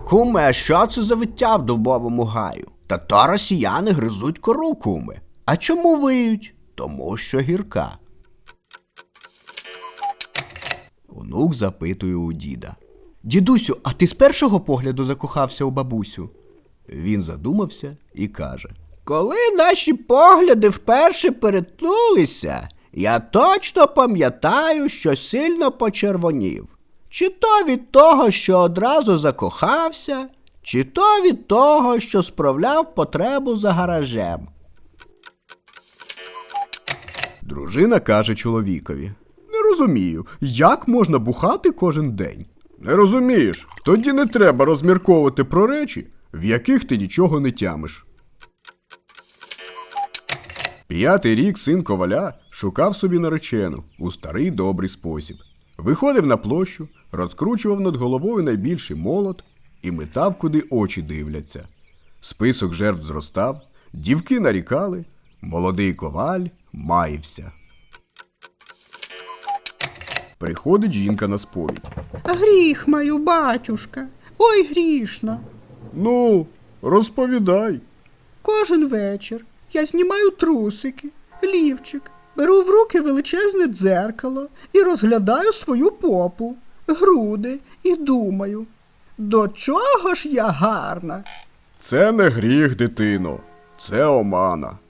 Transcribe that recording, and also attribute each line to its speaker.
Speaker 1: Куме, а що це за виття в дубовому гаю? Та то росіяни гризуть кору, куме. А чому виють? Тому що гірка. Онук запитує у діда. Дідусю, а ти з першого погляду закохався у бабусю? Він задумався і каже. Коли наші погляди вперше перетнулися, я точно пам'ятаю, що сильно почервонів. Чи то від того, що одразу закохався, чи то від того, що справляв потребу за гаражем. Дружина каже чоловікові. Не розумію, як можна бухати кожен день? Не розумієш? Тоді не треба розмірковувати про речі, в яких ти нічого не тямиш. 5-й рік син коваля шукав собі наречену у старий добрий спосіб. Виходив на площу, розкручував над головою найбільший молот і метав, куди очі дивляться. Список жертв зростав, дівки нарікали, молодий коваль маївся. Приходить жінка на сповідь.
Speaker 2: Гріх маю, батюшка, ой грішна.
Speaker 1: Ну, розповідай.
Speaker 2: Кожен вечір я знімаю трусики, лівчик, беру в руки величезне дзеркало і розглядаю свою попу, груди і думаю, до чого ж я гарна?
Speaker 1: Це не гріх, дитино, це омана.